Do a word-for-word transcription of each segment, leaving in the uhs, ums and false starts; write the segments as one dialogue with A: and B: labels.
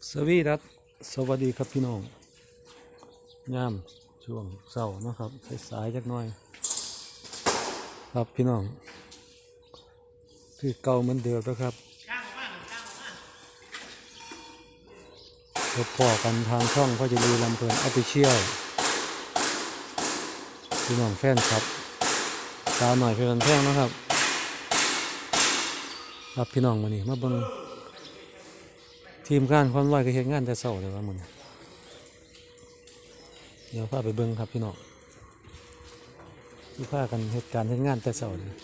A: สวีดัสสวัสดีครับพี่น้องยามช่วงเช้านะครับสายๆจักหน่อยครับพี่น้องคือเก่าเหมือนเดิมแล้วครับพบพอกันทางช่องพ่อจะรีลำเพลินออฟฟิเชียลพี่น้องแฟนครับสาวหน่อยเพื่อนแท่งนะครับครับพี่น้องมานี่มาเบิ่งทีมงานความร้อยก็เฮ็ดงานแต่เช้าเลยว่ามื้อนี้เดี๋ยวพาไปเบิ่งครับพี่น้องที่พากันเฮ็ดการเฮ็ดงานแต่เช้าเลย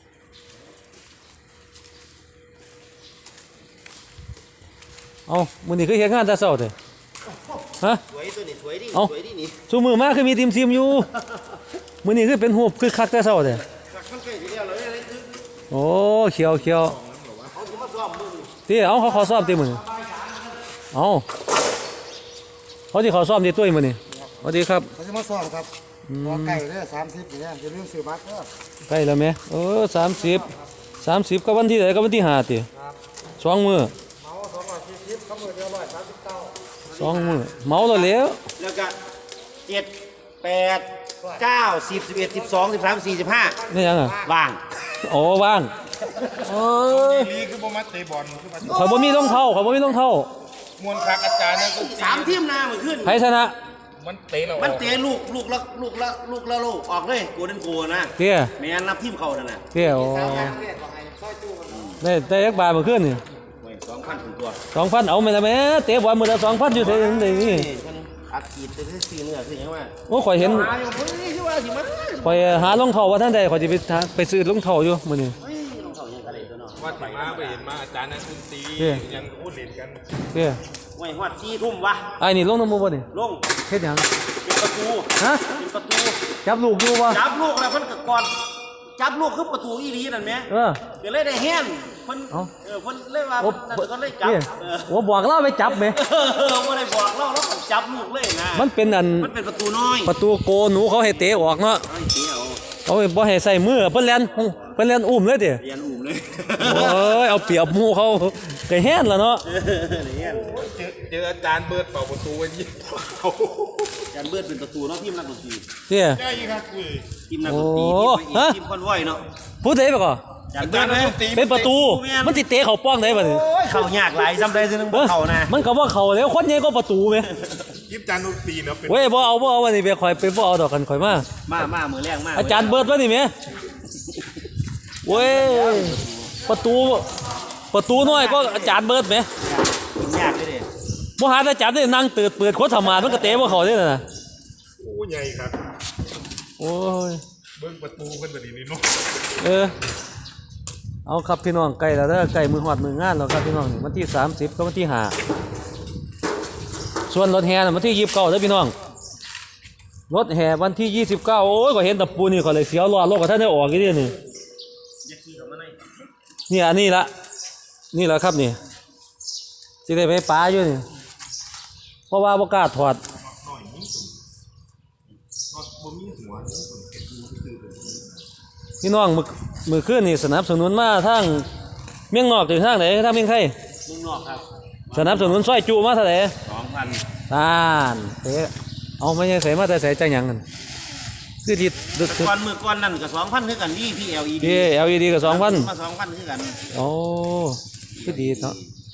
A: เอามื้อนี้คือเฮ็ดงานแต่เช้าเด้อฮะ
B: สวยตัวนี้สวยดิสวยดินี่
A: ซุมื้อมาคือมีทีมซิมอยู่มื้อนี้คือเป็นรูปคือคักแต่เช้าเด้อ
B: มันใกล้สิแล้วเลยอะไรคือ
A: โอ้เขียวเขียว
B: เขาสิมาซ้อมมื้อนี้
A: ติเอาเขาขอซ้อมติมื้อนี้เอาเขาสิขอซ้อมติตุ้ยมื้อนี้สวัสดีครับ
B: เขาสิมาซ้อมครับรอไก่เด้อสามสิบนี่อย่าลืมซื้อบัตรเด้อ
A: ใกล้แล้วแม่เออสามสิบ สามสิบก็วันที่ไหนก็วันที่ห้าติสองมื้อ
B: เมาสองร้อยสี่สิบเขามื้อเดียวร้อยสามสิบเก้า
A: สองมื้อเมาแล้วแล้ว
B: แล้วก็เจ็ด แปด เก้า สิบ สิบเอ็ด สิบสอง สิบสาม สี่สิบห้า
A: นี่ยังอ่ะ
B: ว่าง
A: โอ้ว่างเอ้ย
C: ลีคือบ่มาเตะบอลคือมา
A: เขาบ่มีรองเท้าเขาบ่มีรองเท้าม
C: วนคักอาจารย์นั่นก็
B: สามทีมนามื้อขึ้น
A: ไผชนะ
C: มันเตะเรา
B: มันเตะลูกลูกละลูกละลูกละลูกออกเลยโกดันโกนะ
A: เตี้ย
B: แม่นนับทีมเขานั่นน่ะ
A: เตี้ยโอ้ได้ได้ยักบาทมื้อคืนนี่
B: สองพันถึงตัว
A: สองพันเอาแม่ละแม่เตะบอลมื้อละสองพันอยู่ไสนี่นี่
B: อัดขีดไปซื้อเนื้อซื้อหยังว่า
A: โอ้ข่อยเห็น
B: หาอยู่เพิ่นสิว่าสิมา
A: ข่อยหารองเท้าว่าท่านใดข่อยสิไปไปซื้อรองเท้าอยู่มื้อนี้
B: เฮ้ยรองเท้ายังกะได้ตัวเนาะ
C: ว่าสิมาไปเห็นมาอาจารย์นั่นคุณตียังพูดเล่นกัน
A: เตี้ย
B: ไว้ฮอดสี่ทุ่มวะ
A: ไอ้นี่ลงน้ำมูบ่นี่
B: ลง
A: เฮ็ดหยัง
B: เป็นประตู
A: ฮะ
B: เป็นประตู
A: จับลูกอยู่บ่
B: จับลูกแล้วเพิ่นก็ก่อนจับลูกคือประตูอีหลีนั่นแหม
A: เออ
B: ก็เลยได้แฮนเพิ่นเออเพิ่นเลยว่านั่นก็เลยจับเออ
A: โอ้บอกเราไปจับแม่
B: เออบ่ได้บอกเราเราก็จับลูกเลยนะ
A: มันเป็นอัน
B: มันเป็นประตูน้อย
A: ประตูโกหนูเขาให้เตะออกเนาะ
B: เอาเตะเอา
A: เขาบ่ให้ใส่มือเพิ่นแล่นเพิ่นแล่นอุ้มเลยติ
B: เรียนอุ้มเลย
A: โอ้ยเอาเปรียบหมู่เขาก็แฮนล่ะเนาะ
B: เออเรียน
C: เจอเจออาจารย์เบิร์ดเป่าประตูไว้ยิงเขา
B: อาจารย์เบิร์ดเป็นประตูเนาะทีมนักดนตรี
A: เตี้ย
C: ใช่ครับคุย
B: ทีมนักดนตรีทีมคอนวอยเนาะ
A: พูดได้บ่ก่อ
B: อาจารย์เบิร์ด
A: เป็นประตูมันสิเตะเข้าป้องได้บ่นี่
B: เข้ายากหลายซ้ำได้ซื่อนึงบ่เข้านะ
A: มันก็บ่เข้าแล้วคนใหญ่ก็ประตูแม่
C: ยิบจานดนตรีเนาะ
A: เว้ยบ่เอาบ่เอาวันนี้ไปข่อยไปบ่เอาดอกกันข่อยมา
B: มามามื้อแรกมา
A: อาจารย์เบิร์ดว่านี่แม่เว้ยประตูประตูน้อยก็อาจารย์เบิร์ดแม่
B: ยากเลย
A: ดิบ่หาอาจารย์ได้นั่งเติดเปิดโคตรธรรมะมันก็เตะบ่เข้าเด้น่ะ
C: โอ้ใหญ่ครับ
A: โอ้ย
C: เบิ่งประตูเพิ่นบ่ดีนี่เนาะ
A: เออเอาครับพี่น้องใกล้แล้วเด้อใกล้มือฮอดมืองานแล้วครับพี่น้องวันที่สามสิบกับวันที่ห้าส่วนรถแห่น่ะวันที่ยี่สิบเก้าเด้อพี่น้องรถแห่วันที่ยี่สิบเก้าโอ้ยก็เห็นตะปูนี่ก็เลยเสียวรอดโลกก็ท่านได้ออกอีกนี่นี่นี่อันนี้ละนี่แหละครับนี่สิได้ไปป้าอยู่นี่เพราะว่าบ่กล้าถอดพี่น้องมือมือขึ้นนี่สนับสนุนมาทางเมียงนอกถึงทางไหนทางเมียงไทย
B: เมืองนอกครับ
A: สนับสนุนซอยจูมาเท่าไหร่
B: สองพัน
A: ตานเตะเอาไม่ใช่ใส่มาแต่ใส่จังหยังกันคือที่
B: ก่อนมือก่อนนั่นก็สองพันคือกันนี่พี่ แอล อี ดี
A: พี่ แอล อี ดี ก็สองพัน
B: มาสองพันคือกัน
A: โอ้คือดีเนาะ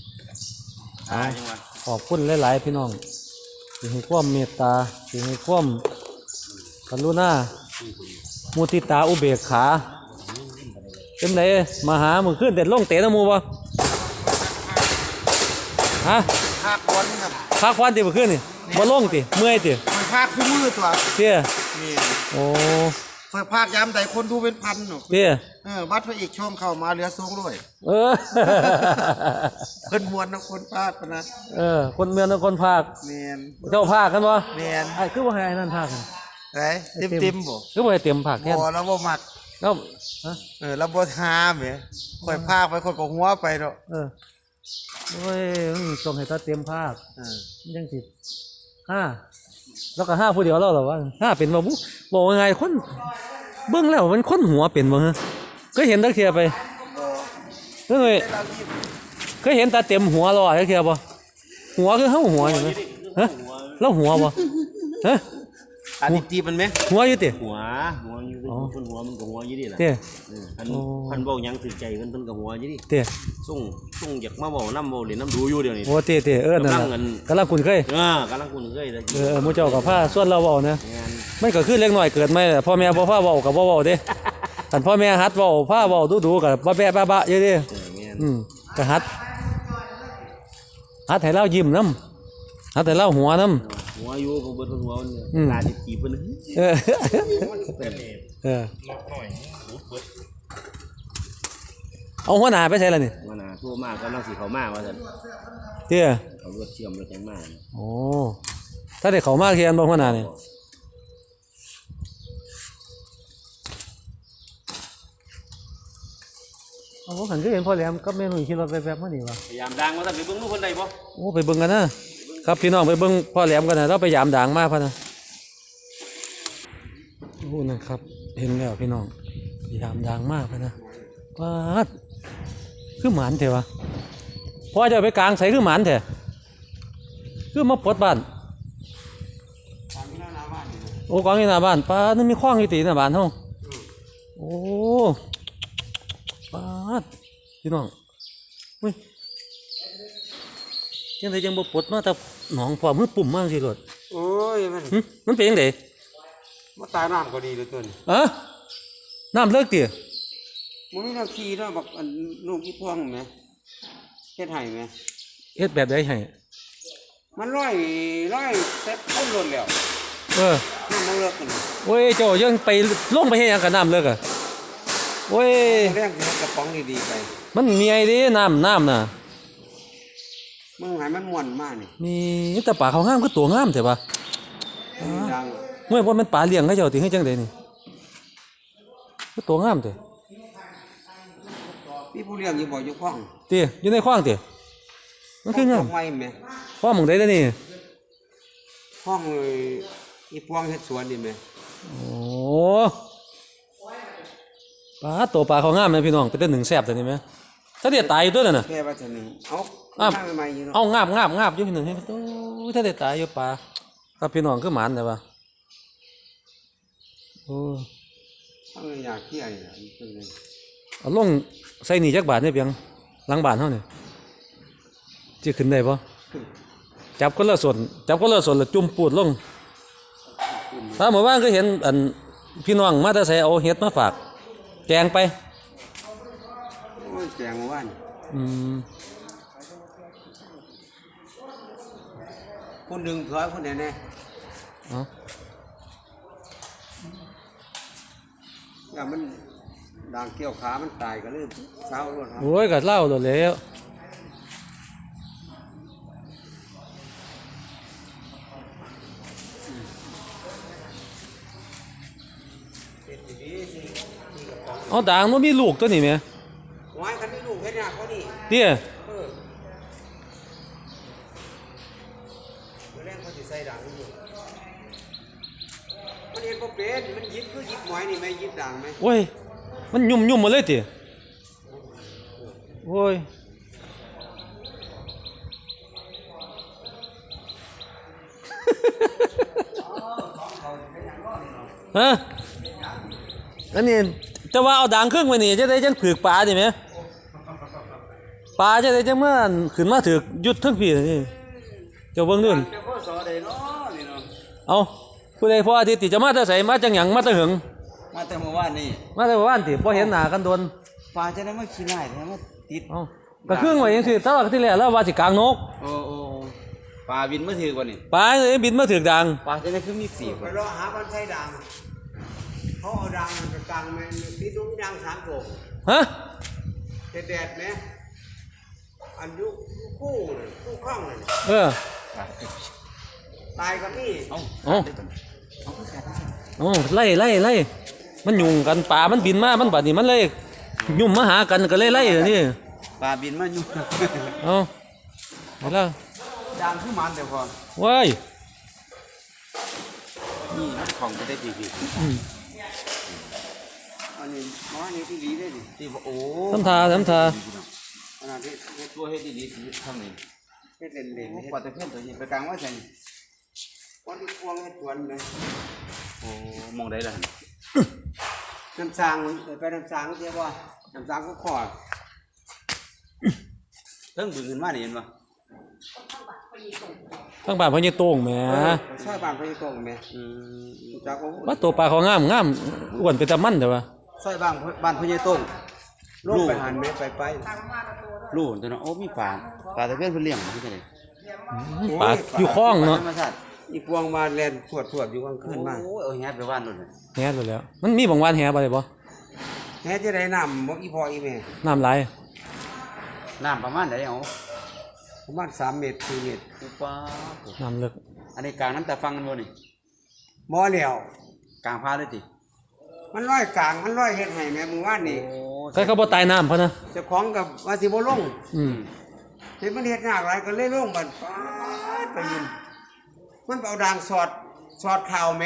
A: ขอบคุณหลายๆพี่น้องที่ให้ความเมตตาที่ให้ความกรุณามุทิตาอุเบกขาเป็นไรมาหามือขึ้นเด็ดลงเตะน้ำมูบ่ฮะ
B: ภาควันครับ
A: ภาควันตีมือขึ้นนี่บ่ลงตีเมื่อยตี
B: มันภาคคู่มือตัว
A: เตี้ย
B: นี่
A: โอ้
B: คอยภาคย้ำแต่คนดูเป็นพันหนู
A: เตี้ย
B: เออวัดพระเอกช่องเข้ามาเหลือทรงด้วย
A: เออ
B: เพิ่นมวนนะคนภาคนะ
A: เออคนเมืองนะคนภาค
B: เมียน
A: เจ้าภาคกันบ่
B: เมียน
A: ไอ้คือว่าให้นั่นภาค
B: ไอ้เต็มเต็มบ่
A: คือว่าให้เต็มภาคแค่
B: บ่แล้วบ่มัก
A: แล้ว
B: เออแล้วบ่หาแหมค่อยภาคไปคนก็หัวไปเนาะ
A: เออโอ้ยต้องให้ถ้าเต็มภาค
B: เออ
A: ยังสิห้าแล้วก็ห้าผู้เดียวแล้วหรอวะห้าเป็นบ่บุบอกว่าไงคนเบิ่งแล้วมันคนหัวเป็นบ่ฮะเคยเห็นตะเคียไปเคยเคยเห็นตาเต็มหัวแล้วตะเคียบ่หัวคือเฮาหัวอยู่ไหมฮะแล้วหัวบ่ฮะ
B: อันนี้จีบมันไหม
A: หัวอยู่ติ
B: หัวหัวอยู่คนหัวมันก็หัวอยู่ดิล่ะ
A: เต้
B: พันพันเบายังถือใจมันเพิ่นก็หัวอยู่ดิ
A: เต้
B: ส่งส่งอยากมาเบาน้ำเบาเล่นน้ำดูอยู่เดี๋ยวนี้
A: โอ้เต้เต้เออนั่น
B: กำลั
A: น่ะ
B: งเงิน
A: กำลังคุ้นเคย
B: เออกำลังคุณเคยเลย
A: เออหมู่เจ้ากับผ้าส่วนเราเว้านะ
B: งาน
A: มันก็คือเล็กน้อยเกิดมาแหละพ่อแม่บ่พาเว้าก็บ่เว้าเด้คันพ่อแม่ฮัดเว้าพาเว้าดูๆก็บ่แบะบะๆอยู่เด้
B: เอองาน
A: อืมก็ฮัดฮัดให้เรายิ้มนำฮัดให้เราหัวนำ
B: หัวอยู่ของเบิดหัวมัน
A: อืม
B: ลาดิจีบเพิ่น
A: เออ
C: แต่นี่
A: เออ
C: ล็อกหน่อยรูดเบิด
A: เอาหัวหน้าไปใส่ล่ะนี่
B: ว่าน่ะทั่วมากกำลังสิเข้ามาว่าซั่น
A: เตี้ย
B: เขารถเชื่อมรถจังมา
A: โอ้ถ้าได้เข้ามาเคียนบ่หัวหน้านี่เอาบ่คันคือเห็นพ่อแหลมกับแม่หนุ่ยขี่รถแวบๆมานี่วะ
B: พยายามดังว่าซั่นไปเบิ่งดูเพิ่นได้บ่
A: โอ้ไปเบิ่งกันนะครับพี่น้องไปเบิ่งพ่อแหลมกันนะเราไปยามด่างมาพะนะโอ้นะครับ เห็นแล้วพี่น้องไปยามด่างมาพะนะปาดคือหมานเถอะวะพ่อจะเอาไปกลางใส่คือหมานเถอะคือมาปลดบ้านโอ้กองอยู่หน้าบ้านปาดนั่นมีคว้างอยู่ตีหน้าบ้านเฮาโอ้ปาดพี่น้องเฮ้ยจังไดจังบ่ปลดมาแต่หนองพอมือปุ่มมากสิโลด
D: โอ้ยมัน
A: หึมันเป็นจังได
D: มาตายน้ำก็ดีเหลยตัวนี้
A: อะน้ำเลิกติ
D: มันไม่ต้องขี่เนาะบักอันลูกอีพวงไหมเฮ็ดให้ไหม
A: เฮ็ดแบบใดให้
D: มันร้อยร้อยเต็มต้นหล่นแล้ว
A: เออ
D: น้ำมันเลิกกัน
A: โอ้ยเจ้ายังไปลงไปเฮ็ดหยังกับน้ำเลิกอ่ะโอ้ย
D: เรื่องที่กระป๋องดีๆไป
A: มันมีไอ้เด้น้ำน้ำน่ะ
D: มึงใหายมันม่วนมากนี่
A: มีแต่ปลาเขางามคือตัวงามแต่ว่า
D: ดัง
A: เมื่อว่ามันปลาเลี้ยงเขาเจ้าติให้จังไดนี่คือตัวงามติ
D: พี่ผู้เลี้ยงอยู่บ่อยู่ข้อง
A: ติอยู่ในคลองติมันคืองาม
D: ไว้ไหม
A: คลองหม่องใดเด้อนี่
D: ข้องเลยอีพวงเฮ็ดสวนนี่ไหม
A: โอ้ปลาตัวปลาเขางามนะพี่น้องเป็นแต่หนึ่งแซ่บแต่นี่แม่ถ้าเดี๋ยวตายอยู่ตัวนั่นน่ะ
D: แค่ว่าจะหนึ่งเอา
A: อ้าว
D: ข้างใหม่ๆอยู่เนาะ
A: เอางาบงาบงาบอยู่พี่หนึ่งให้โอ้ยถ้าได้ตายอยู่ป่าครับพี่น้องคือหมานแต่ว่าโอ้
D: ข้างในอยากเที่ยวนี่ล่ะนี่เป็นไง
A: เอาลงใส่หนีจักบาทเนี่ยเพียงหลังบ้านเฮานี่จะขึ้นได้ปะจับคนละส่วนจับคนละส่วนแล้วจุ่มปูดลงถ้าหมู่บ้านก็เห็นอันพี่น้องมาแต่ใส่เอาเห็ดมาฝากแกงไป
D: โอ้ยแจงเมื่อวาน
A: อืม
D: คนดึงถอยคนไหนแน่
A: เอา
D: อย่ามันด่างเกี่ยวขามันตายก็เลยเศร้ารถครับ
A: โอ้ยกัดเหล้าโดดแล้วเอาด่างมันมีลูกตัวนี้ไหม
D: ไว้คันนี้ลูกเฮ็ดยากกว่านี่
A: เตี้ย
D: เออเมื่อแรกเขาสิใส่ด่างอยู่มันเห็นบ่เป็นมันยิบคือยิบหมอยนี่ไหมยิบด่างไหม
A: โอ้ย มันยุ่มยุ่มหมาเลยติโอ้ย ฮะอันนี้จะว่าเอาด่างครึ่งไปนี่จะได้จังผืกปลาดิไหมปลาจะได้จังเมื่อขึ้นมาถือกยุดทั้งปีนี่เจ้าเบิ่งนู่น
D: เจ้าพ่อสอได้เนาะนี่เนาะ
A: เอาผู้ใดพออาทิตย์ติจะมาแต่ใส่มาจังหยังมาแต่หึง
D: มาแต่เมื่อวานนี่
A: มาแต่บ้านติพอเห็นหน้ากันโดน
D: ปลาจะได้มาขี้ไล่แท้มาติด
A: เอาก็ครึ่งไว้จังซี่ตลอดที่แล้วแล้วว่าสิกลางนก
D: โอ้โอ้ปลาบินมาถือกว่านี่
A: ปลาเอ้ยบินมาถือกดัง
D: ปลาจะได้คือมีสีไปรอหาบันไส้ด่างเขาเอาด่างไปกลางแม่นติดดูด่างสามตัว
A: ฮะ
D: แดดๆไหมอันยุคู่เลยคู่ข้างเลย
A: เออ
D: ตายกับนี่เอา
A: เอาเอาไล่ไล่ไล่มันยุ่งกันปลามันบินมามันบัดนี้มันเลยยุ่มมาหากันก็เลยไล่เดี๋ยวนี่
D: ปลาบินมาอยู่
A: เอาเอาแล้ว
D: ด่างคือมันแต่พอ
A: ว้าย
D: นี่มันของจะได้ดีดี
A: อืม
D: อันนี้หมอนี่ที่ดีได้ดิที่ว่าโอ้
A: ทำทาทำทา
D: ขนาดที่ตัวเฮ็ดดีๆทำนี่เฮ็ดเล่นเล่น
B: ปลาตะเพียนตัวนี้ไปกลางว่าใส่
D: วันที่พวงเฮ็ดสวนเลย
B: โอ้มองได้ละ
D: น้ำสางไปน้ำสางเสียว่าน้ำสางก็ขอ
B: เพิ่งบึงขึ้นมานี่เห็นป่ะ
A: ทั้งบ้านพ่อใหญ่โต้งแหม
D: ซอยบ้านไปตรงแม่
B: อืม
D: จากก็
A: ว่าตัวปลาเขางามงามอ้วนเป็นตะมันแต่ว่า
B: ซอยบ้านบ้านพ่อใหญ่ต้ง
D: ลงไปหันแม่ไปไป
B: ลูกตัวเนาะโอ้มีปลาปลาตะเพียนเพิ่นเลี้ยงบ่ที่ไหน
A: ปลาอยู่คลองเนาะ
B: ธรรมชาติ
D: อีพวงมาแล่นถวดถวดอยู่กลางคืนมา
B: โอ้เอาแฮดไปว่านนู่น
A: แฮไปแล้ว มันมีบางวันแฮบ่ได้บ่
D: แม่จะได้น้ำบ่อีพ่ออีแม่
A: น้ำไหลาย
B: น้ำประมาณไหนเอา
D: ประมาณสามเมตรสี่เมตร
B: อุปา
A: น้ำลึก
B: อันนี้กลางน้ำตาฟังกันบ่นี่
D: บ่แล้ว
B: กลางพาเลยติ
D: มันร้อยกลางมันร้อยเฮ็ดให้แม่มื้อวานนี่
B: โอ้
A: ใครเขาบ่ตายน้ำเพราะนะ
D: เจ้าของกับว่าสิบ่ลง
A: อืม
D: เห็นมันเฮ็ดยากหลายก็เลยลงบัดป๊าดไปยินมันเอาด่างสอดสอดข่าวแหม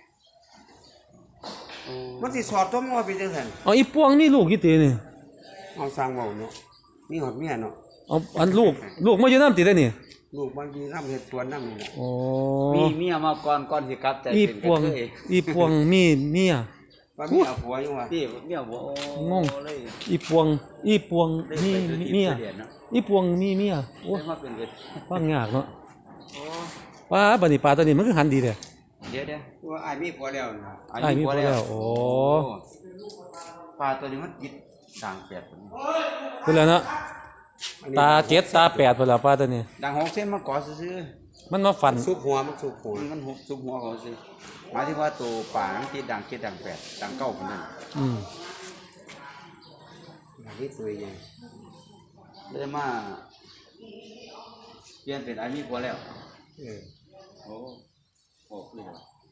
D: มันสิสอดตัวมันว่าเป็นจังซั่น
A: เอาอีปวงนี่ลูกกี่ตีนี่
D: เอาสร้างเว้าเนาะมีหอดเมียเนาะ
A: เอาอันลูกลูกมาอยู่น้ำติได้นี่
D: ลูกบางทีนำเฮ็ดสวนนำนี่แหละ
A: โอ้
B: มีเมียมาก่อนก่อนสิกลับแต่
A: อี
B: เป็น
A: ปวง
B: กระเทย
A: อีปวงมีเมีย
D: ว่ามีเอาผัวอยู่ว่า
B: พี่เมียบ่โอ้
A: งง
B: เลย
A: อีปวงอีปวง
B: ได้
A: มี
B: ไปดูที่
A: เมีย
B: เดือนเนาะ
A: อีปวงมีเมียโอ้
B: ได้มาเป็นเดือน
A: ฟังยากเนาะ
B: โอ้
A: ว่าบัดนี้ปลาตัวนี้มันคือหันดีเด้อ
B: เดี๋ยวเดี๋ยว
D: ว่าอ้ายมีผัวแล้วนะ
A: อ้ายมีผัวแล้วโอ้
B: ปลาตัวนี้มันกินด่างแปดพุ่น
A: คือแล้วเนาะตาเจ็ดตาแปดพุ่นละปลาตัวนี้
B: ด่างหกเส้นมันก่อซื่อ
A: มันมาฟัน
D: ซุปหัวมันซุปหัว
B: ๆมันมันหุบซุบหัวเขาซื่อหมายถึงว่าตัวปลามันติดด่างเจ็ดด่างแปดด่างเก้าพุ่นนั่น
A: อืม
D: อันนี้ตัวใหญ่
B: เลยมาเปลี่ยนเป็นอามีผัวแล้ว
D: เออ
B: โอ้โอ้เลย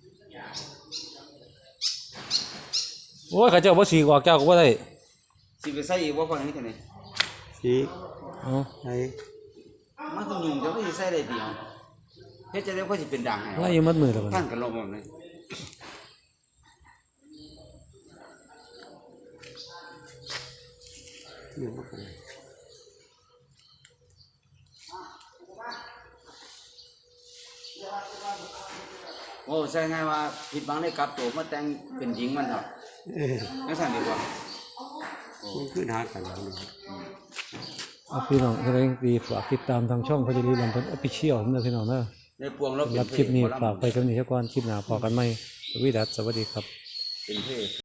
A: โอ้ยข้าเจ้าบ่สีกออกเจ้าก็บ่ได้
B: สิไปใส่อีกว่าคนนี้กันนี่
D: สิ
A: เอ๋อ
D: ไอ้
B: มันคือยุ่งจะไม่ใส่ได้เดียวเฮ็ดจะได้ก็สิเป็นด่างให้
A: ไล่อยู่มัดมือแล้วบัด
B: ท่า
A: นี้
B: นกันลมแบบนี้
D: อยู่บ่กัน
B: โอ้ใช่ไงว่าผิดบังได้กลับตัวมาแต่งเป็นหญิงมันเถอะ
D: เออ
B: นั่นสั่นดีกว่า
D: มันขึ้นหากันแล้วนี่
A: เอาพี่น้องแสดงดีฝากติดตามทางช่องพจรีลำเพิ่น Official เด้อพี่น้องเด้อ
B: ในพวงเรา
A: สำหรับคลิปนี้ฝากไปกับนี้ซะก่อนคลิปหน้าพอกันใหม่สวีดัสสวัสดีครับ
B: เป็นเพศ